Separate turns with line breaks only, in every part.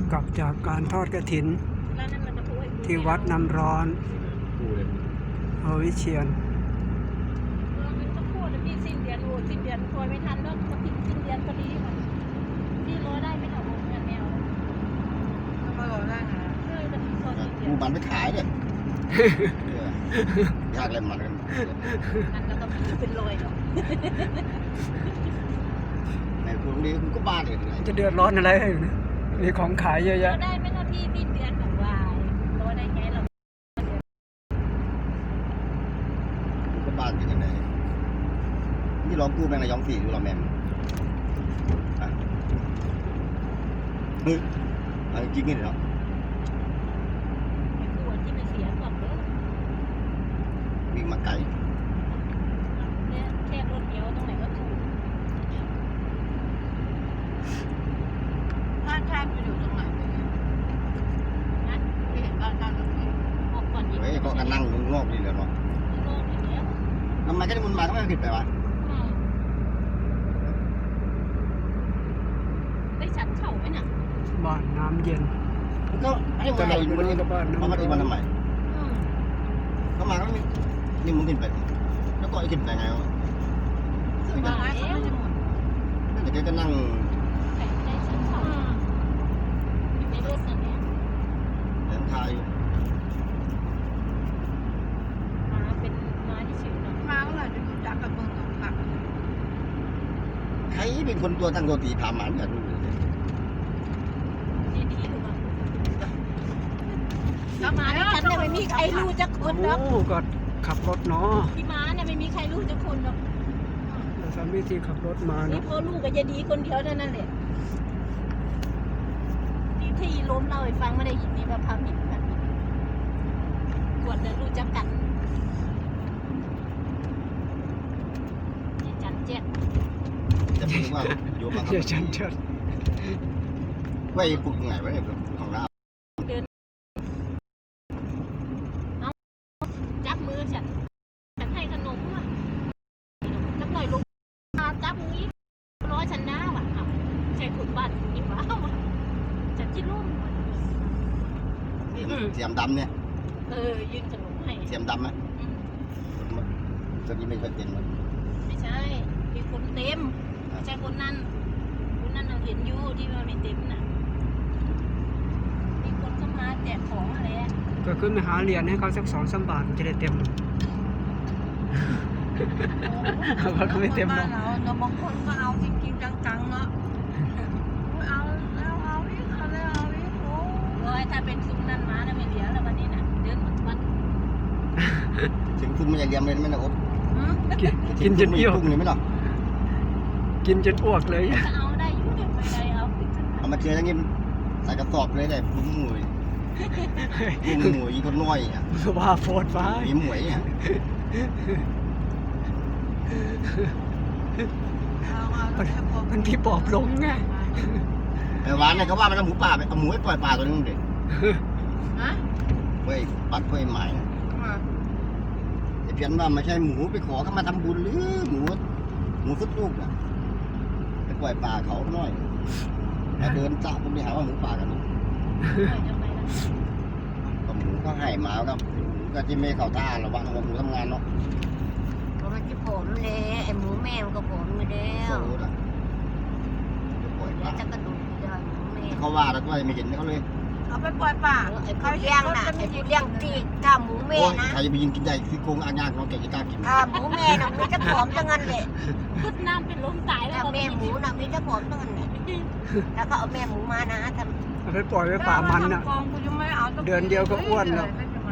กลับจากการทอดกฐินที่วัดน้ำร้อนวิเชียร
มันก็พูดพี่สิ้นเดือนสิ้นเดือนคอยไม่ทันแล้วก็ทิ้งสิ้นเดือนพอดีพี่รอได้ไม่เอาเงินแนวมารอได้นะ
กูมันไปขายเลยยากเลยมัน
ก็ต้องเป็นรอยหรอก
ในพวกนี้กูก็บ้าเลย
จะเดือดร้อนอะไรมีของขายเยอะแยะ
ได้ไม่นาพี่สิ้นเดือนแบบว่ารอได้ไงเรา
กูก็บ้าอย่างไรนี่ร้องกูแม่งในย้อมสีดูเราแม่งเฮ้ยอะไรจริงนี่เหรอวิ่งมาไกล
แค่รถเดียวตรงไหนก็ถูกบ้านชาติอยู่ตรงไหนนะที่เห็นบ้านชาติบอกก่อนยิง
เฮ้ยก็นั่งงอกดีเลยเนาะทำไมก็ได้มันมาทำไมผิดไปวะ
ได้ฉันเข่าไหมน่ะ
บ้านน้ำเย็น
ก็ให้มันอยู่บนนี้เขามาตีมันทำไมเขามาก็นี่มึงขึ้นไปแล้วก็ไอ้ขึ้นไปไงวะแต่แกก็นั่ง
ได้ฉันเข่าอยู่ในรถนั่นแหละ
เดินทางอยู่
มาเป็นมาที่ชื่อนะมาเมื่อไหร่จะรู้จักกับมึงค่ะ
ใครเป็นคนตัวตั้งตัวตีพามันกัน
แล้วมาเนี่ยฉันเนี่ยไม่มีใครรู้จักคนหรอก
ก็ขับรถเนาะ
พี่ม้าเนี่ยไม่มีใครรู้จักคนหรอก
แต่สามีที่ขับรถมาเนาะ
นี่พ่อลูกกับยายดีคนเดียวนั่นแหละที่ล้มเล่าให้ฟังไม่ได้ยินนี่ว่าพามิตรแบบกวดเลยรู้จักกันจันเจ็ด
จะพูดว่าโยมมาครับ
จันเจ็ด
ไว้ปลุกไงไว้ของเรา
จับมือฉันให้ขนมว่ะจับหน่อยลงจับมือร้อยฉันหน้าว่ะใช่ขุดบ้านนี่ว้าวฉันคิดร่ม
เสียมดำเนี่ย
ยืนขนมให้
เสียมดำไหมตอนนี้ไม่ค่อยเต็ม
ไม่ใช่มีคนเต็มไม่ใช่คนนั้นเราเห็นอยู่ที่ว่าไม่เต็มน่ะมีคนเข้ามาแจกของอะไร
ก็ขึ้นไปหาเหรียญให้เขาสัก2-3 บาทจะได้เต็มเขาก็ไม่เต็มหรอก
เราบางคนก็เอาจริงๆจังๆเนาะเอาแล้วเอาอีกเอาแล้วเอาอีกโอ้ยถ้าเป็นซุ้มนั่นมาแล้วไม่เหลือแล้ววันนี้น่ะเดินหมดวัน
ถึงคุณมันจะเลี้ยงเลยไม่หรอก
กินจนอ้วก
เลยไม่หรอก
กินจนอ้วกเลย
เอาได้อยู่เดี๋ยวไม่ได้
เอามาเจออย่างงี้ใส่กระสอบเลยได้ปุ้มหมวยอีกคนน้อยอ่ะ
ว่าโฟดฟ้า
มีหมวยอ่ะ
มันที่ปอบลงไง
แต่วานเนี่ยเขาว่ามันเอาหมูป่าไปเอาหมูให้ปล่อยป่าตัวนึงเด็กเว้ยปัดเว้ยใหม่เพียนว่าไม่ใช่หมูไปขอเขามาทำบุญหรือหมูฟุตลูกอ่ะไปปล่อยป่าเขาหน่อยแต่เดินจับผมไปหาว่าหมูป่ากันก็หมูก็ให้มาแล้วก็ที่ไม่เข้าท่าระวังว่าหมูทำงานเนาะ
ก็มันจะผลเลยไอ้หมูแม่มันก็ผลมาแล้วแล้วจะกระดูกได้หมูแม่
เขาว่าแล้วก็ไม่เห็นเขาเลย
เอาไปปล่อยป่าเขาเลี้ยงน่ะไอ้ผู้เลี้ยงที่ถ้าหมูแม่นะ
ใครจะไปยิงกินได้ที่โกงอ่างยากเราแกจะกล้ากิน
หมูแม่น่ะมีจะผอมจังงั้นเลยพุดน้ำเป็นล้มตายแล้วแม่หมูน่ะมีจะผอมจังงั้นเลยแล้วก็เอาแม่หมูมานะทำ
เอาไปปล่อยไว้ป่ามันน่ะเดือนเดียวก็อ้วนแล้ว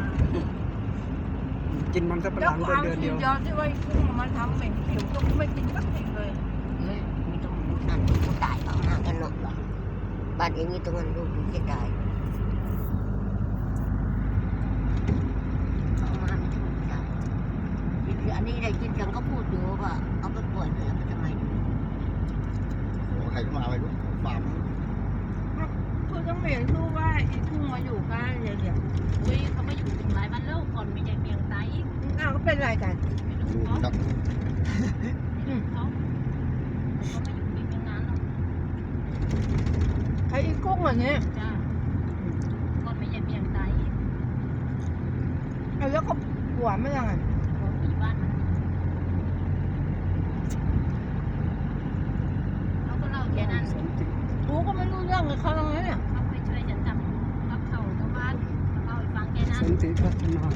กินมันสับปะหลังเดือนเดียว
ที่ว่ากุ้งมันทำเหม็นผิวก็ไม่กินสักทีเลยมีตรงนั้นกูตายเขาหากันหนกหรอบ้านเองมีตรงนั้นลูกจะตายเอามาไม่ถึงตายอันนี้ได้ยินจังก็พูดอยู่ว่าเอาไปปล่อยเลยมันทำไม
โอ้ใครมาไม่รู้ฟาร์ม
คุณต้องเห็นรู้ว่าไอ้ทุ่งมาอยู่กันเดี๋ยวอุ้ยเขามาอยู่ถึงหลายวันแล้วก่อนมีอย่างเมียงไตอ้าวก็เป็นไรกันเขามาอยู่นี่เป็นนานแล้วใครอีกุ้งเหรอเนี่ยจ้า
แล้วก็หัวไม่ยังไง
มีบ้านเขาก็เล่าแค่นั้น
กูก็ไม่รู้เรื่องกับเขาตรงนี้เนี่ย
เขาไปช่วยฉันทำกับเขาชาวบ้านเล่าให้ฟังแค่นั้น
สันติพัฒนา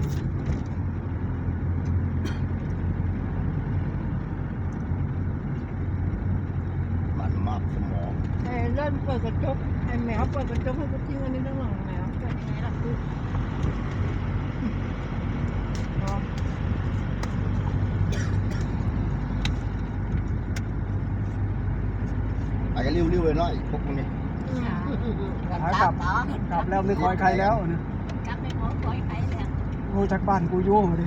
มันมาสมอง
ไอ้เล่นเปิดกระจกไอ้แมวเปิดกระจกให้กูทิ้งอันนี้ตั้งหลังแมว
เป็นไงล่ะคือ
เนาะ
ไปกันริ้วๆเลยเนาะพวกพวกนี้
ขากลับกลับแล้วไม่คอยใครแล้วนะ
กลับไปขอคอยใครแล้ว
โอ้จากบ้านกูโย่ดิ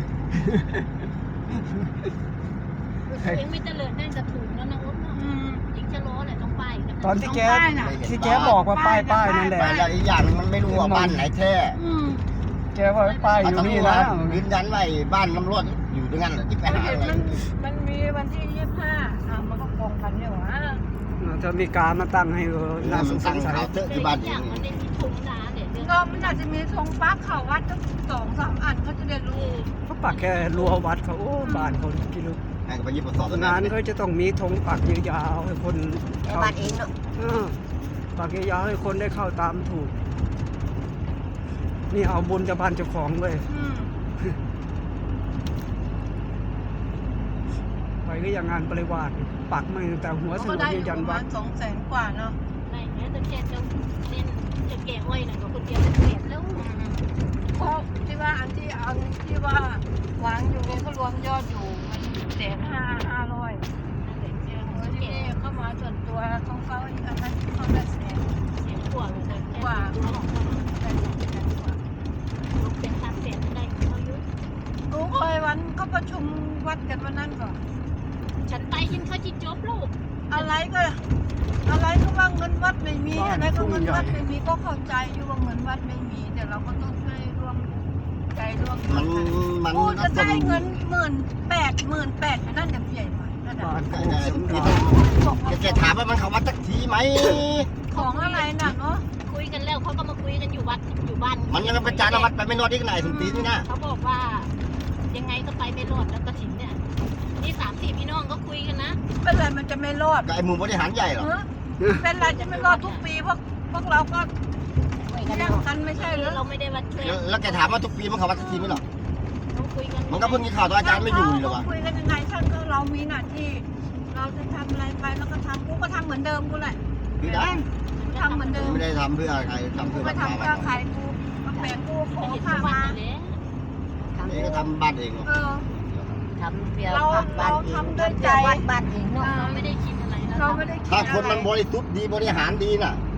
เองไม่เจริญได้จะถูกแล้วนะอุ๊บเนาะยิงจะล้อแหละต้องไปกัน
ตอนที่แกบอกว่าป้ายนั่นแหละ
ไปแล้วอีกอย่างหนึงมันไม่รู้ว่าบ้านไหนแท้
แกว่าป้ายอยู่นี่นะ
ยืนยันไว้บ้านตำรวจอยู่ตรงนั้นแหละที่ไปหาอะไร
มันมีวันที่25มันก็กองกันเนี่ยวะ
จะมีการมาตั้งให้น่าส
มัน
ง
สั่ง
สัย
เขาเจอะ
แต่
ที่
อี
บ้าน
ก
เอ
อย่าง
ง
มันได้มีถุงนาเนี่ยเรื่อง
ก็มันอาจจะมีธงปักเขาวัดตั้ง2-3 อันเขาจะได้รู้
เขาปักแค่รั้ววัดเขาโอ้บ้านเขากิโล
ให้เขาไปยิบประสอบ
งานเขาจะต้องมีธงปักยาวๆให้คนเข้า
บ้านเองเนาะ
ปักยาวๆให้คนได้เข้าตามถูก นี่เอาบุญจะบ้านเจ้าของเว้ยไปก็อย่างงานปริวาสปักมาตั้งแต่หัวถึง
ก็
หั
ได้
ว
อยู่
ยัน
ประ
วั
มา
ด
ณ200,000 กว่าเนาะ
ไม่แม้แต่แกจะเล่นจะแก่อ้อยน่ะก็คนเดียวจะเปลี่ยนแล้ว
เพราะที่ว่าอันที่ว่าวางอยู่เนี่ยก็รวมยอดอยู่มัน150,500
นั่นแหละเจอ
เออ
คน
ที่
แก่
นี่เข้ามาส่วนตัวของเขาอีกอันนั้นเขาได้แสน
เสียงกว่าเลยนะแก่ตัวของเขา
ได้แสนกว่า
ลูกเป็น3 แสนได้เขาเยอะ
กูเคยวันก็ประชุมวัดกันวันนั้นก่อน
ฉันไปยินเขาจิจบลูก
อะไรก็ว่าเงินวัดไม่มีอะไรก็เงินวัดไม่มีก็เข้าใจอยู่ว่าเงินวัดไม่มีแต่เราก็ต้องให้ร่วมใจร่วม
มัน
กูจะได้เงิน18,000นั่นยังใหญ่หน่อยนั่น
บ้า
น่ะ
นโคกสำราญ
บอกว่า
แกถามว่ามันเขาวัดสักทีไหม
ของอะไรน่ะเนาะ
คุยกันแล้วเขาก็มาคุยกันอยู่วัดอยู่บ้าน
มันยังเป็นจานวัดไปไม่นอนอีกไหนสมตีนี่นะ
เขาบอกว่า ยังไงก็ไปไม่รอดแล้วกระถิ่นเนี่ยนี่3-4พี่น้องก็คุยกันนะ
เป็นไรมันจะไม่รอด
กับไอ้หมู่บริหารใหญ่เหรอ
เป็นไรจะไม่รอดทุกปีพวกเราก็แย่งกันไม่ใช่หรือ
เราไม่ได้วัดช่วย
แล้วแกถามว่าทุกปีมันเขาวัดสักทีไหมหรอ
ต้องคุยกัน
มันก็เพิ่งมีข่าวตัวอาจารย์ไม่อยู่หรอวะ
คุยกันยังไงท่านก็เรามีหน้าที่ เราจะทำอะไรไปเราก็ทำกูก็ทำเหมือนเดิมกูแหละ
คือได้
กูทำเหมือนเดิม
ไม่ได้ทำเพื่อใครทำ
กู
เพื่อ
ไม่
รักษา
ทำเพื่อใครกูมาแปลงกูขอ
เห็น
ข้า
วัด
มา
เลย
นี่ก็ทำบ้านเอง
เออ
ทำเพียง
เราทำด้วยใจ
วัดบ้านเองเนาะ
เราไม่ได้คิดอะไรแล้ว
เราไม่ได้คิด
ถ้าคน
อะไร
มันบริสุทธิ์ดีบริหารดีน่ะ